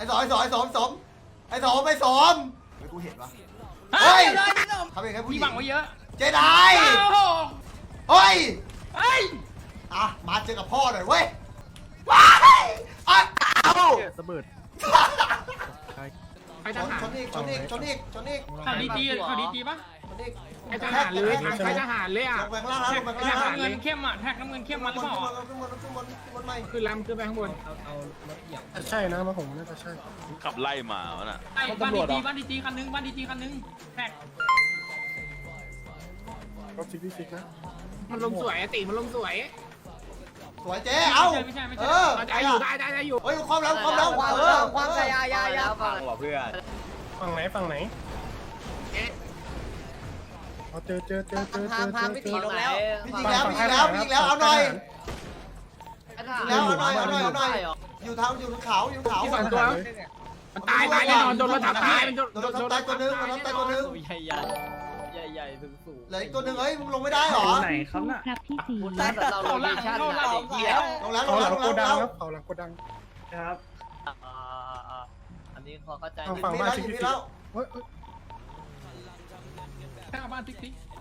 อ้สมไอ้สมไม่กูเห็นวะเฮ้ยทำเองแค่ผู้หญิพี่งบังไว้เยอะเจไดเฮ้ยอ่ะมาเจอกับพ่อหน่อยเว้ยว้ายอ้าวระเบิดไปทหารชนอีกข่าวดีๆข่าวดีๆปะชนอีกไปทหารเลยไปทหารเลยอ่ะลงไปข้างล่างแล้วลงไปข้างล่างแท็กน้ำเงินเข้มอ่ะแท็กน้ำเงินเข้มมันหรือเปล่าขึ้นบนใหม่ขึ้นลำขึ้นไปข้างบนใช่นะมาผมน่าจะใช่ขับไล่มาวะน่ะไอ้บ้านดีจีคันนึงแท็กรถซิกนะมันลงสวยติมันลงสวยสวยเจ๊เอ้าเออได้อยู่ได้อยู่เฮ้ยความแล้วความใจยาฟังฝั่งไหนเจอพาพี่ตีลงแล้วพี่ยิงแล้วเอาหน่อยอยู่ทางเขาที่สองตัวมันตายแน่นอนโดนรถทับตายมันโดนโดนตายตัวนึงใหญ่สูงเหลืออีกตัวนึงเฮ้ยมึงลงไม่ได้หรอไหนครับน่ะครับพี่ตีเราโลเคชั่นลงแล้วเขาหลังโกดังครับเขาหลังโกดังครับอันนี้พอเข้าใจฝั่งบ้านซิกแล้วเฮ้ยข้างบ้านติ๊ก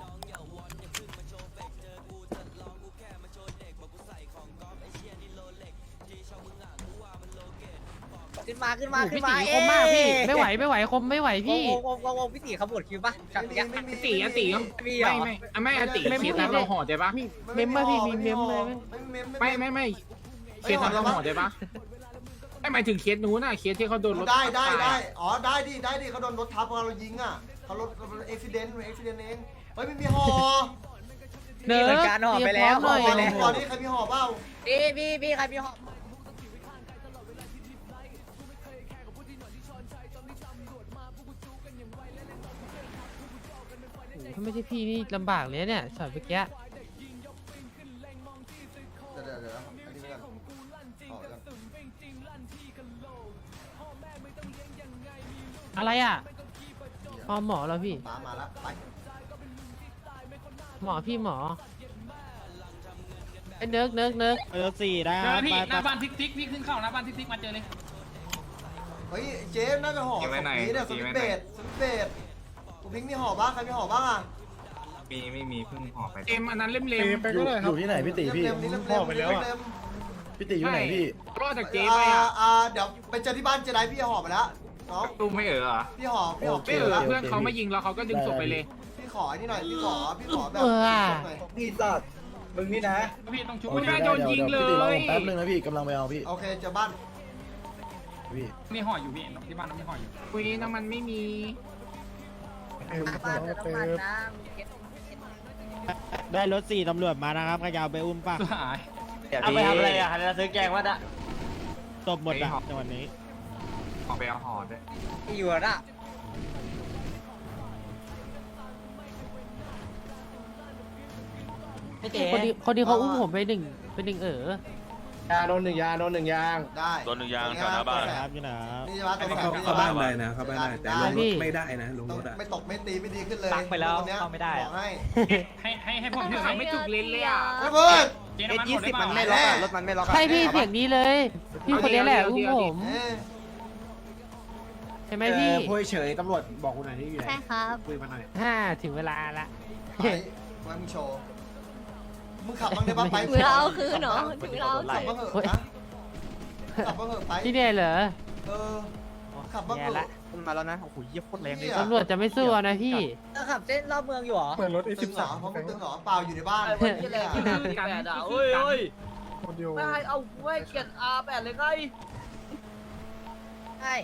ขึ้นมาคมมากพี่ไม่ไหวคมไม่ไหวพี่วงพี่ตีขบวนคิวป่ะกับยักษ์ตีไม่ตีเขียนเราห่อใจปะเมมเบอร์พี่มีเมมเลยไม่เขียนเราห่อใจปะไม่หมายถึงเคสนู้นน่ะเคสที่เขาโดนรถได้อ๋อได้ดิเขาโดนรถทับเรายิงอ่ะเขารถเอ็กซิเดนต์เองเฮ้ยไม่มีห่อเนื้อการห่อไปแล้วห่อนี่ใครมีห่อเปล่าพี่ใครมีห่อถ้าไม่ใช่พี่นี่ลำบากเลยเนี่ยช็อตเมื่อกี้เดี๋ยวอันนี้กันห่อกันอะไรอ่ะพอหมอแล้วพี่มาแล้วไปหมอพี่หมอไอ้เนิร์กเจอพี่หน้าบ้านติ๊กพี่ขึ้นเข้าหน้าบ้านติ๊กมาเจอเลยเฮ้ยเจ๊น่าจะห่อสปีดเนี่ยสวิตเบดกูพิงมีห่อบ้างใครมีห่อบ้างอ่ะไม่มีเพิ่งห่อไปเต็มอันนั้นเล่มไปก็ได้ครับอยู่ที่ไหนพี่ตีพี่พ่อไปแล้วอ่ะพี่ตีอยู่ไหนพี่รอดจากเจ๊ไปอ่ะเดี๋ยวไปเจอที่บ้านเจไดพี่ห่อไปแล้วน้องตู้ไม่เหรอพี่ห่อไม่เพื่อนเขาไม่ยิงเราเขาก็ดึงศพไปเลยพี่ขอนี่หน่อยพี่ขอแบบพี่สัตว์มึงนี่นะพี่ต้องชุบไม่ได้โดนยิงเลยพี่ตีรอผมแป๊บนึงนะพี่กำลังไปเอาพี่โอเคเจอบ้านพี่มีห่ออยู่พี่ที่บ้านมีห่ออยู่คุยน้ำมันไม่มีบ้านเติมน้ำมันนะได้รถ4ตำรวจมานะครับขยาวไปอุ้มป่ะหายเอาไปทำอะไรอ่ะเราซื้อแกงว่าอะตบหมดอ่ะจังหวัดนี้ห่อไปเอาห่อด้วยอยู่อ่ะคนดีเขาอุ้มผมไปหนึ่งยาโดนหนึ่งยางได้โดนหนึ่งยางแถวหน้าบ้านครับนี่นะนี่จะมาตัวเข้าบ้านได้นะเข้าบ้านได้แต่ลงรถไม่ได้นะลงรถอ่ะไม่ตกไม่ตีไม่ดีขึ้นเลยตักไปแล้วเข้าไม่ได้อะให้ผมถือไม่จุกเลนเลยอ่ะไม่เพิ่งเจ๊น้ำมันหมดได้เปล่าไม่ล็อกรถมันไม่ล็อกใช่พี่เสียงนี้เลย พี่คนนี้แหละอุ้มผมใช่ไหมพี่พูดเฉยตำรวจบอกคุณหน่อยที่อยู่ไหนใช่ครับคุยมาหน่อยถึงเวลาละไปมึงโชว์มึงขับบ้างได้บ้างไปถึงเราคืนเหรอถึงเราขับบ้างเหอะนะขับบ้างเหอะไปพี่เนี่ยเหรอขับบ้างเหแย่ละอะมาแล้วนะโอ้โหเยี่ยโคตรแรงเลยตำรวจจะไม่สู้นะพี่ขับเส้นรอบเมืองอยู่หรอเหมือนรถตึงเหรอ F13 เพราะมึงตึงเหรอเปล่าอยู่ในบ้านคนเดียวไม่เอาไว้เกียร8เลยไงใช่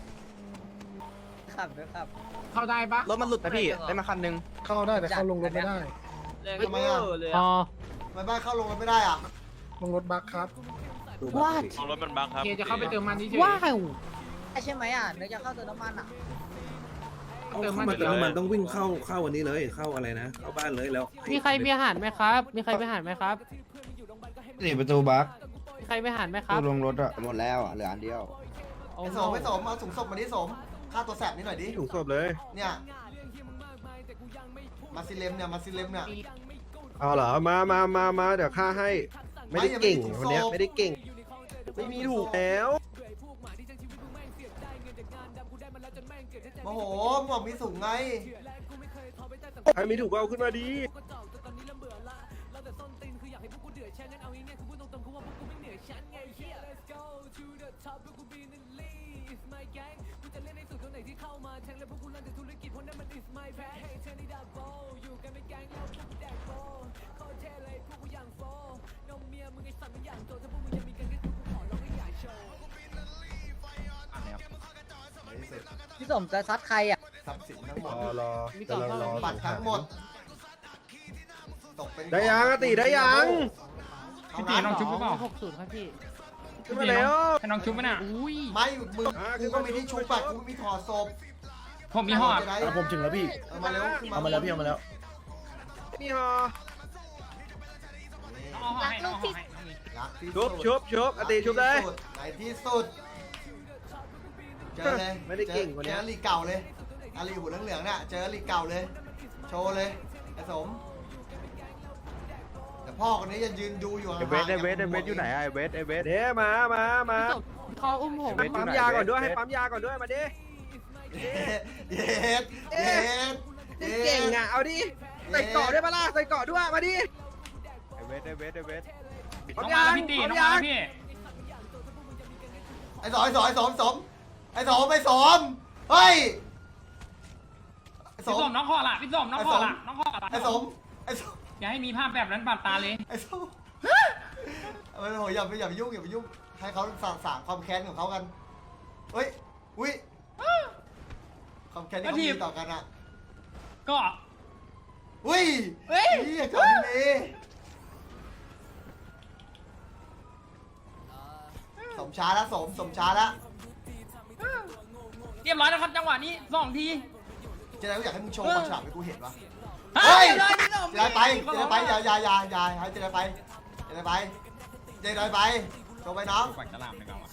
ขับด้วยครับเข้าได้ปะรถมันหลุดนะพี่ได้มาคันนึงเข้าได้แต่เข้าลงรถไม่ได้ทำไมอ่ะพอทำไมบ้านเข้าลงกันไม่ได้อ่ะลงรถบัคครับว้าของรถมันบังครับเจ๊จะเข้าไปเติมมันที่เฉยว้าวใช่ไหมอ่ะเดี๋ยวจะเข้าเติมน้ำมันอ่ะเติมมันมันต้องวิ่งเข้าวันนี้เลยเข้าอะไรนะเข้าบ้านเลยแล้วมีใครมีอาหารไหมครับ มีใครมีอาหารไหมครับนี่ประตูบัคมีใครมีอาหารไหมครับลงรถอ่ะหมดแล้วเหลืออันเดียวโอ้ไอ้โหสมเอาถุงศพมาดิสมค่าตัวแสบนิดหน่อยดิถูกศพเลยเนี่ยมาซิเลมเนี่ยเอาเหรอมาเดี๋ยวค่าให้ไม่ได้เก่งคนเนี้ยไม่ได้เก่งไม่มีถูกแล้วโมโหมึงบอกมีสูงไงใครมีถูกก็เอาขึ้นมาดีพี่สมจะซัดใครอ่ะทรัพย์สินทั้งหมดมีก่อนเข้าบัตรทั้งหมดตกเป็นได้ยังอะติได้ยังพี่ตีน้องชุบหรือเปล่า 60ครับพี่ขึ้นมาแล้วให้น้องชุบไหมน่ะอุ้ยไม่มึงกูก็มีที่ชุบบัตรกูมีถอดศพผมมีห่อจะได้ผมถึงแล้วพี่เอามาเร็วขึ้นเอามาแล้วพี่เอามาแล้วนี่ฮะรักลูกที่รักที่ชุสุบดชุบชุบอะติชุบเลยในที่สุดเจอเลยไม่ได้เก่งกว่านี้เจอลีเก่าเลยอาลีหัวเหลืองๆเนี่ยเจอลีเก่าเลย โชว์เลยไอ้สมแต่พ่อคนนี้ยังยืนดูอยู่ห่างๆเวทอยู่ไหนอะเวทเดี๋ยวมาพี่สมเขาอุ้มผมให้ปั๊มยาก่อนด้วยให้ปั๊มยาก่อนด้วยมาดิเย็ดเย็ดเก่งอ่ะเอาดิใส่เกาะด้วยปะล่ะใส่เกาะด้วยมาดิเวทน้องมาแล้วพี่ตีน้องมาแล้วพี่ไอ้สมไอ้สมไอ้สมสมไอ้สมไอ้สมเฮ้ยไอ้สพี่มส้มน้องห่อละพี่ส้มน้องห่อละน้องห่อละไอ้สมไอ้สมอย่าให้มีภาพแบบนั้นบาดตาเลยไอ้ส้มโอ้โหอย่าไปยุ่งอย่าไปยุ่งให้เขาสางความแค้นของเขากันเฮ้ยอุ้ยความแค้นที่เขามีต่อกันอ่ะก็อุ้ยนี่ก่อนนี้สมช้าแล้วสมช้าแล้วเรียบร้อยแล้วครับจังหวะนี้2 ทีเจ๊ได้ก็อยากให้มึงโชว์ความฉลาดให้กูเห็นวะเฮ้ยเจไดไปอย่าให้เจไดไปเจไดไปโชว์ไปน้องปากฉลามเลยกันวะ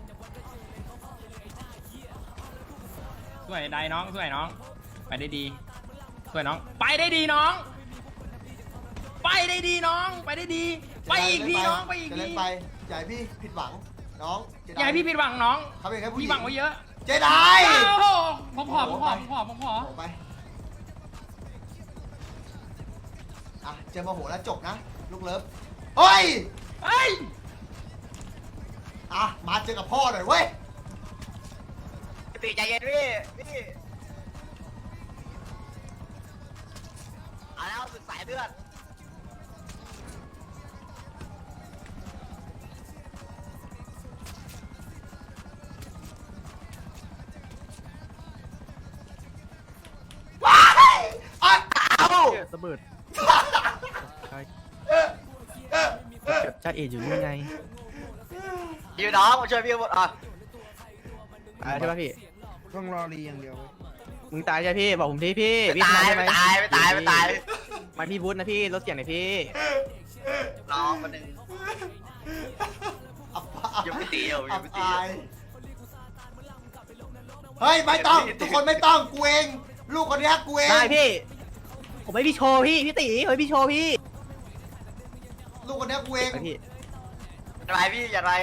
สวยได้น้องสวยน้องไปได้ดีสวยน้องไปได้ดีน้องไปได้ดีน้องไปได้ดีไปอีกทีน้องไปอีกเจทีไดไปอย่าให้พี่ผิดหวังน้องเจไดอย่าให้พี่ผิดหวังน้องเขาเป็นแค่ผู้หญิพี่หวังไว้เยอะเจไดโอ้โหผมขอโอ้ไปอ่ะเจอมาโหแล้วจบนะลูกเลิฟเฮ้ยเฮ้ยอ่ะมาเจอกับพ่อหน่อยเว้ยติใจเย็นพี่เอาแล้วสุดสายเลือดว้ายอ้าวระเบิดจ้าเอ๋อยู่นี่ไงอยู่น้องมาช่วยพี่หมดอ่ะตายใช่ป่ะพี่ต้องรอรีอย่างเดียวมึงตายใช่พี่บอกผมทีพี่พี่ตายไม่ตายมาพี่บูธนะพี่รถเสียงหน่อยพี่น้องคนหนึ่งยังไม่ตีเฮ้ยไม่ต้องทุกคนไม่ต้องกูเองลูกคนนี้กูเองได้พี่ผมให้พี่โชว์พี่ตีเฮ้ยพี่โชว์พี่ลูกคนนี้กูเองไปพี่อะไรพี่อย่าไร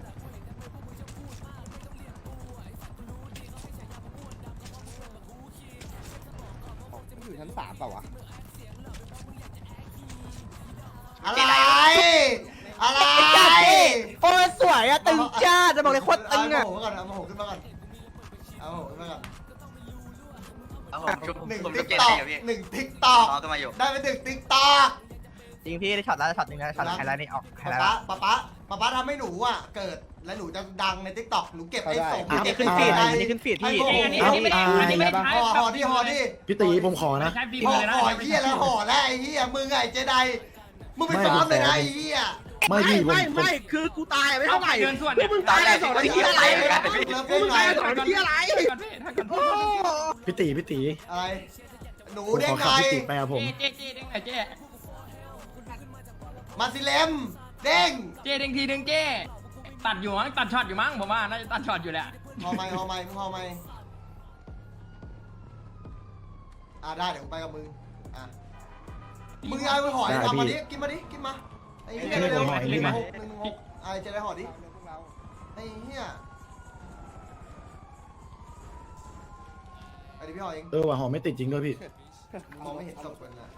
อยู่ชั้น3เปล่าวะอะไรอะไรโอ้สวยอะตึงจ้าจะบอกเลยโคตรตึงอะเอาโมโหขึ้นมาก่อนเอาโมโหขึ้นมาก่อนหนึ่งติ๊กตอกได้ไป1 ติ๊กตอกจริงพี่ได้ช็อตแล้วช็อตหนึ่งนะช็อตไฮไลท์นี่ออกไฮไลท์ป๊าทำให้หนูอ่ะเกิดแล้วหนูจะดังในติ๊กต็อกหนูเก็บไอ้ส่งอันนี้ขึ้นฟีดอันนี้ขึ้นฟีดพี่อันนี้ไม่ได้ใช้ห่อดิพี่ตีผมขอนะใช้ฟีห่อเลยนะห่อเหี้ยแล้วห่อแล้วไอ้เหี้ยมึงไอ้เจไดมึงไปซ้อมเลยนะไอ้เหี้ยไม่พี่ผมไม่คือกูตายไม่เอาเท่าไหร่เดินส่วนเนี่ยมึงตายได้2 นาทีอะไรมึงไง 2 นาทีอะไรพี่ตีอะไรหนูผมเด้ขงอไงขับพี่ตีไปครับผมเจ๊เด้งไหนเจ๊มาซิเลมเด้งเจ๊เด้งทีดึงเจ๊ตัดอยู่มั้งตัดช็อตอยู่มั้งผมว่าน่าจะตัดช็อตอยู่แหละห่อไหมมึงห่อไหมได้เดี๋ยวกูไปกับมึงมึงเอาไปห่อทำมาดิกินมาไอ้เหี้ยเร็ว116ไอ้เจไดห่อดิไอ้เหี้ยดิพี่หอเองว่ะหอไม่ติดจริงด้วยพี่มองไม่เห็นศพกันนะ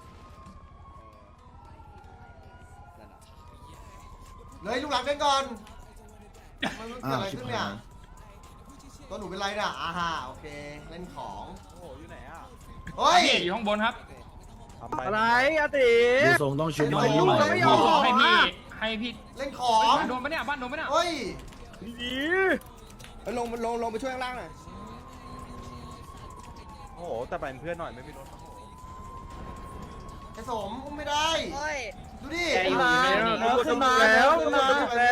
เลยลูกหลังเล่นก่อนมันเกิดอะไรขึ้นเนี่ยตัวหนูเป็นไรเนี่ยอาฮาโอเคเล่นของโอ้อยู่ไหนอ่ะเฮ้ยพี่อยู่ข้างบนครับอะไรอาติดูทรงต้องชุบไม่มายุ่งใหม่ไม่ยอมให้พี่เล่นของบ้านโดนปะเนี่ยบ้านโดนปะเนี่ยเฮ้ยลงไปช่วยข้างล่างหน่อยโอ้โหแต่ไปเป็นเพื่อนหน่อยไม่มีรถไอ้สมอุ้มไม่ได้เฮ้ยดูดิขึ้นมาขึ้นมาแล้วขึ้นมาแล้ว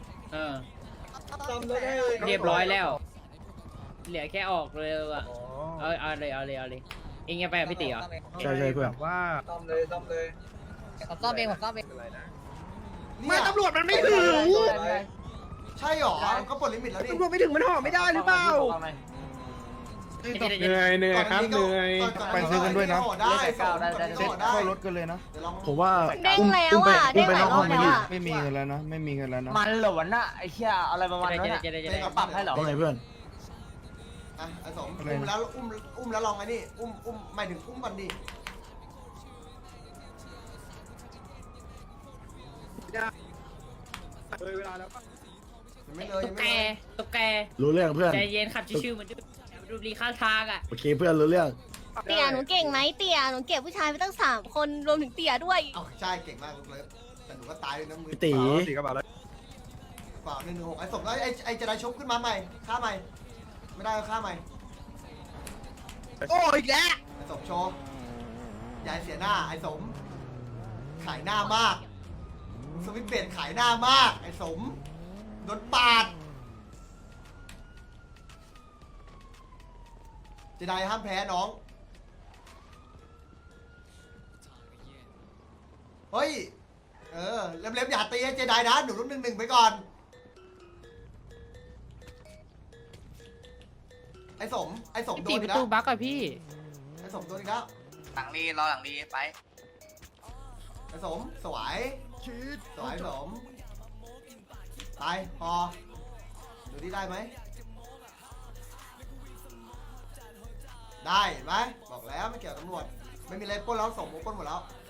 เรียบร้อยแล้ว เหลือแค่ออกเลยอ่ะเอาเลยเองยังไปกับพี่ติ๋วใช่เพื่อนว่าผมซ่อมเองผมซ่อมเองไม่ตำรวจมันไม่ถึงใช่หรอก็ปลดลิมิตแล้วดิตำรวจไม่ถึงมันห่อไม่ได้หรือเปล่าเหนื่อยครับเหนื่อยไปซื้อกันด้วยนะได้เซ็ตเข้ารถกันเลยนะผมว่าเด้งแล้วอุ้มอ่ะไปเด้งหนลาอย กรห้อองบไม่แล้วดีอ่ะไม่มีเงินแล้วนะไม่มีเงินแล้วนะมันเหรอวะน่ะไอ้เชี่ยอะไรประมาณนั้นน่ะปรับให้เหรอว่าไงเพื่อนอ่ะไอ้สมอุ้มแล้วอุ้มแล้วลองไอ้นี่อุ้มหมายถึงอุ้มบันดีไม่เลยตุ๊กแกตุ๊กแกรู้เรื่องเพื่อนใจเย็นขับชิวๆเหมือนดูรีข้างทางอ่ะโอเคเพื่อนรู้เรื่องเตี่ยหนูเก่งไหมเตี่ยหนูเก็บผู้ชายไปตั้ง3 คนรวมถึงเตี่ยด้วยเอาใช่เก่งมากเลยแต่หนูก็ตายด้วยนะมือพี่ตีตีกระบะเลยเปล่า116ไอ้สมแล้วไอ้จะได้ชุบขึ้นมาใหม่ฆ่าใหม่ไม่ได้ก็ฆ่าใหม่โอ้อีกแล้วไอ้สมโชว์ยายเสียหน้าไอ้สมขายหน้ามากสวิตเบนขายหน้ามากไอ้สมโดนปาดเจไดห้ามแพ้น้องเฮ้ยเล็บๆอย่าตีให้เจไดนะหนูรุ่น1-1ไปก่อนไอ้สมโดตีนปอีกระแล้วตูบั๊กอะพี่ไอ้สมโดนอีกแล้วหลังรีรอหลังรีไปไอ้สมสวยสวยสมตายพอดูที่ได้ไหมได้เห็นไหมบอกแล้วไม่เกี่ยวกับตำรวจไม่มีอะไรปล้นแล้วสมปล้นหมดแล้ว